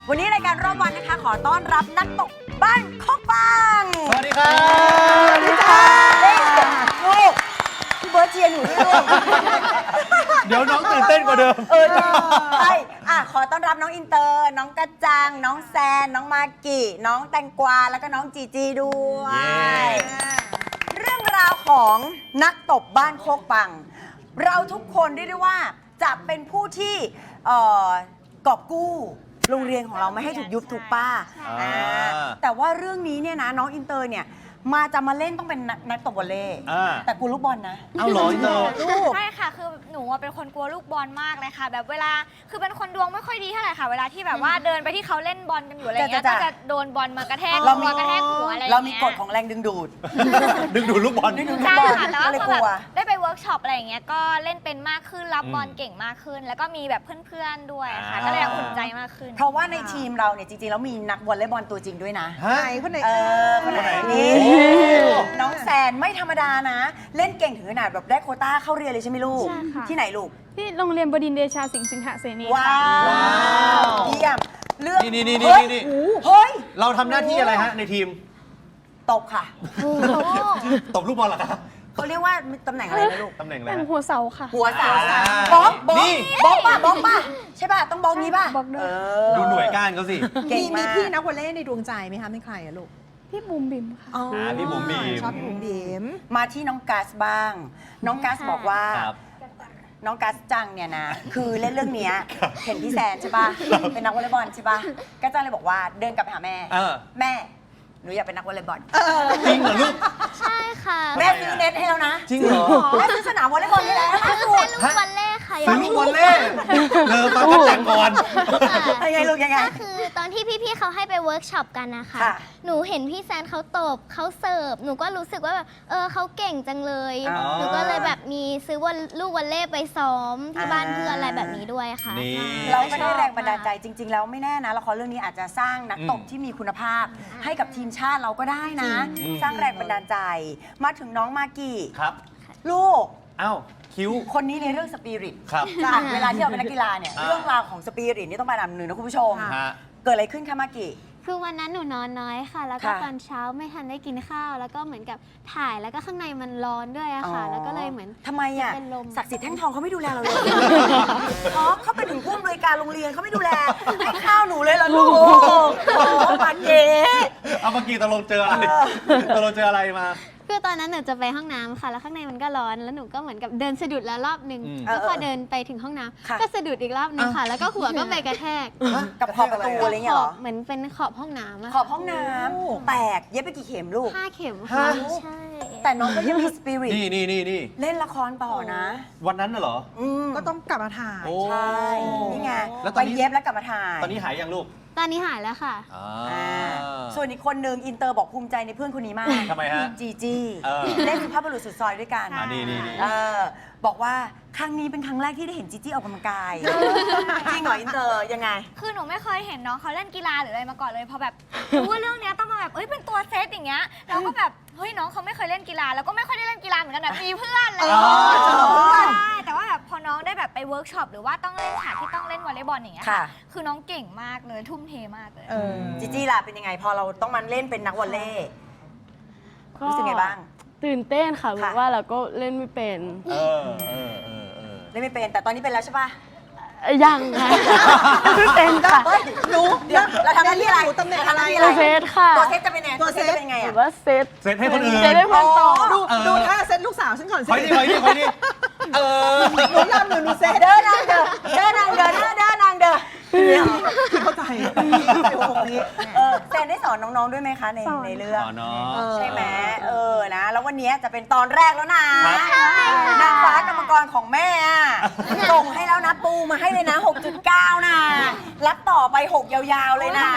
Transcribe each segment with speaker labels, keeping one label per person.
Speaker 1: วันนี้รายการรอบวันนะคะขอต้อนรับนักตกบ้านโคกปัง
Speaker 2: สวัสดีครับ
Speaker 1: สวัสดีค่ะลูกพี่เบิร์ดเชียร์หนูด้วยลูก
Speaker 2: เดี๋ยวน้องตื่นเต้นกว่าเดิม
Speaker 1: ใช่ขอต้อนรับน้องอินเตอร์น้องกระจังน้องแซนน้องมากิน้องแตงกวาแล้วก็น้องจีจีด้วย
Speaker 2: เย้
Speaker 1: เรื่องราวของนักตบบ้านโคกปัง เราทุกคนเรียกได้ว่าจะเป็นผู้ที่กอบกู้โรงเรียนของเราไม่ให้ถูกยุบถูกป้าแต่ว่าเรื่องนี้เนี่ยนะน้องอินเตอร์เนี่ยจะมาเล่นต้องเป็นนักตบวอลเลย์แต่กูลูกบอลนะ
Speaker 2: เอาเหรออินเตอร์
Speaker 1: ลูก
Speaker 3: ใช่ค่ะคือหนูเป็นคนกลัวลูกบอลมากเลยค่ะแบบเวลาคือเป็นคนดวงไม่ค่อยดีเท่าไหร่ค่ะเวลาที่แบบว่าเดินไปที่เขาเล่นบอลกันอยู่อะไรเงี้ย
Speaker 1: จ้ะ
Speaker 3: ก็จะโดนบอลมากระแทก
Speaker 1: เรามี
Speaker 3: หัวกระแทกหัวอะไร
Speaker 1: เรา
Speaker 3: อย่าง
Speaker 1: มี
Speaker 3: เงี้ย
Speaker 1: กฎของแรงดึงดูด
Speaker 2: ดึงดูดลูกบอล
Speaker 1: ดึงดูด
Speaker 3: ใช่ค่ะแต่ว่า
Speaker 1: ก็เลย
Speaker 3: พอก
Speaker 1: ลั
Speaker 3: แบ
Speaker 1: ว
Speaker 3: บได้ไปเวิร์กช็อปอะไรอย่างเงี้ยก็เล่นเป็นมากขึ้นรับบอล
Speaker 2: อืม
Speaker 3: เก่งมากขึ้น แล้วก็มีแบบเพื่อนๆด้วยค่ะ
Speaker 2: อ่า
Speaker 3: ก็เลยอุ่นใจมากขึ้น
Speaker 1: เพราะว่าในทีมเราเนี่ยจริงๆแล้วมีนักวอลเลย์บอลตัวจริงด้วยนะ
Speaker 2: ฮะ
Speaker 4: คนไหน
Speaker 1: คนไหน
Speaker 2: คนไหน
Speaker 1: นี่
Speaker 2: โอ้
Speaker 1: น้องแซนไม่ธรรมดานะ เล่นเก่งถึงขนาดแบบได้โควต้าเข้าเรียนเลยใช่ไหมลูก
Speaker 5: ใช่ค่ะ
Speaker 1: ที่ไหนลูก
Speaker 5: ที่โรงเรียนบดินทร์เดชาสิงหเสนี
Speaker 1: ว้า
Speaker 5: ค่ะ
Speaker 1: วเยี่ยมเลือก
Speaker 2: นี่
Speaker 1: เฮ้ย
Speaker 2: นี่
Speaker 1: เฮ้ย
Speaker 2: เราทำหน้าที่อะไรฮะในทีม
Speaker 1: ตบค่ะ
Speaker 2: ตบลูกบอลเหรอครับ
Speaker 1: เขาเรียกว่าตำแหน่งอะไรนะลูก
Speaker 2: ตำแหน่งอะไร
Speaker 5: เป็น
Speaker 2: ฮะ
Speaker 5: หัวเสาค่ะ
Speaker 1: หัวสาว
Speaker 2: อ่า
Speaker 1: บล็อกบล็อก
Speaker 2: นี่
Speaker 1: บล็อกป่ะบล็อกป่ะใช่ป่ะต้องบล็อกนี้ป่ะ
Speaker 5: บล็อกด้วย
Speaker 2: ดูหน่วยก้านเขาสิ
Speaker 1: เก่ง
Speaker 4: มี
Speaker 1: มาก
Speaker 4: พี่นักวอลเลย์ในดวงใจไหมคะเป็นใครอะลูก
Speaker 5: พี่บุมบิมค่ะ
Speaker 2: พี่บุ๋มบีม
Speaker 4: ชอบพี่บุ๋มบีม
Speaker 1: มาที่น้องกัสบ้าง น้องกัสบอกว่า
Speaker 2: ครับ
Speaker 1: น้องกัสจังเนี่ยนะ คือเล่นเรื่องเนี้ยเห็นพี่แซนใช่ป่ะ เป็นนักวอลเลย์บอลใช่ป่ะกัสจังเลยบอกว่าเดินกลับไปหาแม่
Speaker 2: เออ
Speaker 1: แม่หนูอยากเป็นนักวอลเลย์บอล
Speaker 2: จริงเหรอลูก
Speaker 3: ใช่ค่ะ
Speaker 1: แม่ซื้อเน็ตให้แล้วนะ
Speaker 2: จริงเหรอ
Speaker 1: แม่ซื้อสนามวอลเลย์บอลให้แล้วล่าสุด
Speaker 3: ลูกบอลเล่ค่ะ
Speaker 2: ซื้อลูกบอลเล่เลอฟังกันจังก่อน
Speaker 1: ยังไงลูกยังไง
Speaker 6: ก็คือตอนที่พี่ๆเขาให้ไปเวิร์กช็อปกันนะคะ
Speaker 1: ค่ะ
Speaker 6: หนูเห็นพี่แซนเขาตบเขาเสิร์ฟ หนูก็รู้สึกว่าแบบเขาเก่งจังเลย
Speaker 1: อ๋อ
Speaker 6: หนูก็เลยแบบมีซื้อลูกวอลเล่ไปซ้อมที่บ้านเพื่อนอะไรแบบนี้ด้วยค่ะ
Speaker 2: นี่
Speaker 1: เราก็ได้แรงบันดาลใจจริง ๆ แล้วไม่แน่นะละครเรื่องนี้อาจจะสร้างนักตบที่มีคุณภาพ ให้กับทีมชาติเราก็ได้นะ
Speaker 2: จริง
Speaker 1: สร้างแรงบันดาลใจ มาถึงน้องมากกี้
Speaker 2: ครับ
Speaker 1: ลูก
Speaker 2: เอ้าคิ้ว
Speaker 1: คนนี้ในเรื่องสปิริต
Speaker 2: ครับ
Speaker 1: เวลาที่เราเป็นนักกีฬาเนี่ย
Speaker 2: อ่า
Speaker 1: เรื่องราวของสปิริตนี่ต้องไปอันดับหนึ่งนะคุณผู้ชม
Speaker 2: ฮะ
Speaker 1: เกิดอะไรขึ้นคะมากกี้
Speaker 6: คือวันนั้นหนูนอนน้อยค่ะ แล้วก็
Speaker 1: ค่ะ
Speaker 6: ตอนเช้าไม่ทันได้กินข้าว แล้วก็เหมือนกับถ่ายแล้วก็ข้างในมันร้อนด้วยอะค่ะ แล้วก็เลยเหมือน
Speaker 1: ทำไมอ่ะ
Speaker 6: เป็นลม
Speaker 1: ศักดิ์สิทธิ์แท่งทองเขาไม่ดูแลเราเลยเพราะเขาเป็นถึงผู้อำนวยการโรงเรียนเขาไม่ดูแลให้ข้าวหนูเลยเหรอลูกโอ้ปาเก๋
Speaker 2: เอาเมื่อกี้ตกลงเจออะไรตกลงเจออะไรมา
Speaker 6: คือตอนนั้นหนูจะไปห้องน้ำค่ะ แล้วข้างในมันก็ร้อน แล้วหนูก็เหมือนกับเดินสะดุดแล้วรอบนึง
Speaker 2: อืม
Speaker 6: แล้วพอเดินไปถึงห้องน้
Speaker 1: ค่ะ
Speaker 6: ำก็สะดุดอีกรอบนึงค่ะ แล้วก็หัวก็ไปกระแทก
Speaker 1: กับขอบประตูอะไรเงี้ยเหรอ
Speaker 6: เหมือนเป็นขอบห้องน้ำอะ
Speaker 1: ขอบห้องน้ำแตกเย็บไปกี่เข็มลูก
Speaker 6: 5 เข็มค่ะ
Speaker 2: ฮะ
Speaker 6: ใช่
Speaker 1: แต่น้องก็ยังมีสปิริต
Speaker 2: นี่
Speaker 1: เล่นละครต่อนะ
Speaker 2: วันนั้นน่ะเหรอ
Speaker 4: ก็ต้องกลับมาถ่าย
Speaker 2: โอ้
Speaker 1: ใช่ นี่ไง
Speaker 2: แล้วต
Speaker 1: ไป
Speaker 2: อนนี้
Speaker 1: เย็บแล้วกลับมาถ่าย
Speaker 2: ตอนนี้หายยังลูก
Speaker 6: ตอนนี้หายแล้วค่ะ
Speaker 2: อ่า
Speaker 1: อ่าส่วนอีกคนนึงอินเตอร์บอกภูมิใจในเพื่อนคนนี้มาก
Speaker 2: ทำไมฮะ
Speaker 1: จีจี
Speaker 2: เออ
Speaker 1: เล่นสุภาพบุรุษสุดซอยด้วยกัน
Speaker 2: อ่านี่
Speaker 1: เออบอกว่าครั้งนี้เป็นครั้งแรกที่ได้เห็นจีจี้ออกกำลังกายจริงเหรออินเตอร์ยังไง
Speaker 3: คือหนูไม่เคยเห็นน้องเขาเล่นกีฬาหรืออะไรมาก่อนเลยพอแบบรู้ว่าเรื่องเนี้ยต้องมาแบบเป็นตัวเซตอย่างเงี้ยเราก็แบบเฮ้ยน้องเขาไม่เคยเล่นกีฬาแล้วก็ไม่ค่อยได้เล่นกีฬาเหมือนกันแบบมีเพื่อนอะไรอย่าง
Speaker 2: อ๋
Speaker 3: เงี้ย
Speaker 2: อ
Speaker 3: ใช่แต่ว่าแบบพอน้องได้แบบไปเวิร์กช็อปหรือว่าต้องเล่นฉากที่ต้องเล่นวอลเลย์บอลอย่างเงี้ย
Speaker 1: ค่ะ
Speaker 3: คือน้องเก่งมากเลยทุ่มเทมากเลย
Speaker 1: จีจี้ล่ะเป็นยังไง พอเราต้องมาเล่นเป็นนักวอลเลย์รู้สึกไงบ้าง
Speaker 5: ตื่นเต้นค่ะ
Speaker 1: ค่ะ
Speaker 5: เพราะว่าเราก็เล่นไม่เป็น
Speaker 2: เออ
Speaker 1: เล่นไม่เป็นแต่ตอนนี้เป็นแล้วใช่ปะ
Speaker 5: ยังค่ะไม่เป็นค่ะ
Speaker 1: เฮ้ยรู้เดี๋ยวเราทำหน้าที่อะไร
Speaker 4: หนูตำแหน่ง
Speaker 1: เราทำหน้าที่
Speaker 4: อะไร
Speaker 1: อะไร
Speaker 5: ตัวเซตค่ะ
Speaker 1: ตัวเซตจะเป็นไง
Speaker 4: ตัวเซต
Speaker 1: จะเป็นไง
Speaker 5: หรื
Speaker 1: อะ
Speaker 5: อว่าเซต
Speaker 2: เซตให้คนอื่น
Speaker 5: เซตให้เพื่อนต่อ
Speaker 4: ดูท่าเซตลูกสาวฉันก่อนสิ
Speaker 2: คอยดิเออ
Speaker 4: หนูรำหนูเซต
Speaker 1: เดินนางเดินเดินนางเดินเดินนางเดิน
Speaker 4: เข้าใจหัวอกนี้
Speaker 1: แซนได้สอนน้องๆด้วยไหมคะใน
Speaker 5: สอน
Speaker 1: ในเรื่อง
Speaker 2: อ๋อเนาะ
Speaker 1: ใช่ไหมนะ แล้ววันนี้จะเป็นตอนแรกแล้วนะครับ นางฟ้ากรรมกรของแม่อะส่งให้แล้วนะปูมาให้เลยนะ 6.9 นะรับต่อไป 6 ยาวๆเลยนะ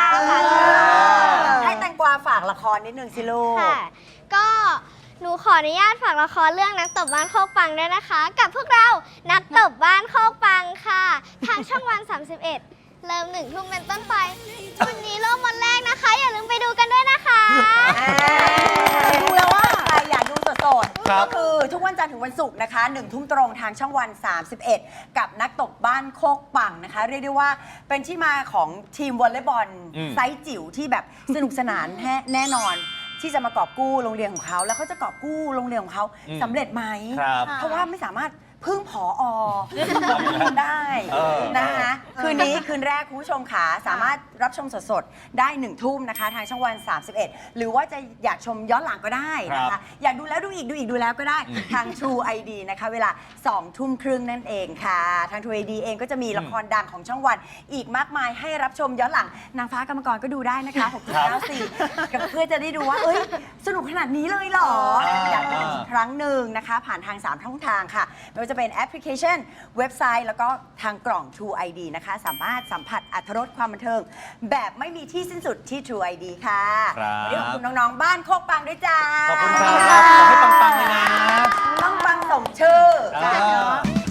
Speaker 1: ให้แตงกวาฝากละครนิดนึงสิลูก
Speaker 6: ค่ะ ก็หนูขออนุญาตฝากละครเรื่องนักตบบ้านโคกปังด้วยนะคะ กับพวกเรานักตบบ้านโคกปังค่ะ ทางช่องวัน 31 เริ่ม1 ทุ่มเป็นต้นไป วันนี้เริ่มวันแรกนะคะ อย่าลืมไปดูกันด้วยนะคะ
Speaker 1: ดูแล้วว่าใครอยากดูสด
Speaker 2: ครั
Speaker 1: ๆ
Speaker 2: บ
Speaker 1: ก็คือทุกวันจันทร์ถึงวันศุกร์นะคะ1 ทุ่มตรงทางช่องวัน 31 กับนักตบบ้านโคกปังนะคะ เรียกได้ว่าเป็นที่มาของทีมวอลเลย์บอลไซส์จิ๋วที่แบบสนุกสนานแน่นอน ที่จะมากอบกู้โรงเรียนของเขาแล้วเขาจะกอบกู้โรงเรียนของเขาสำเร็จไหม
Speaker 2: ครับ
Speaker 1: เพราะว่าไม่สามารถพึ่งผอได้
Speaker 2: เออ
Speaker 1: นะคะคืนนี้คืนแรกคุณผู้ชมขาสามารถรับชมสดๆ ได้1 ทุ่มนะคะทางช่องวัน 31 หรือว่าจะอยากชมย้อนหลังก็ได้นะคะอยากดูแล้วดูอีกดูแล้วก็ได้ทาง True ID นะคะเวลา 2 ทุ่มครึ่งนั่นเองค่ะ ทาง True ID เองก็จะมีละครดังของช่องวันอีกมากมายให้รับชมย้อนหลังนางฟ้ากรรมกรก็ดูได้นะคะ6.94กับเพื่อจะได้ดูว่าเอ้ยสนุกขนาดนี้เลยเหรออยากดูอีกครั้งหนึ่งนะคะผ่านทาง3ช่องทางค่ะไม่ว่าจะเป็นแอปพลิเคชันเว็บไซต์แล้วก็ทางกล่อง True ID นะคะสามารถสัมผัสอรรถรสความบันเทิง แบบไม่มีที่สิ้นสุดที่ True ID ค่ะ
Speaker 2: ครับ
Speaker 1: วันนี้ขอบคุณน้องๆบ้านโคกปังด้วยจ้า
Speaker 2: ขอบคุณครับขอให้ปังๆเลยนะ
Speaker 1: ต้องปังสมชื่อ
Speaker 2: อ่า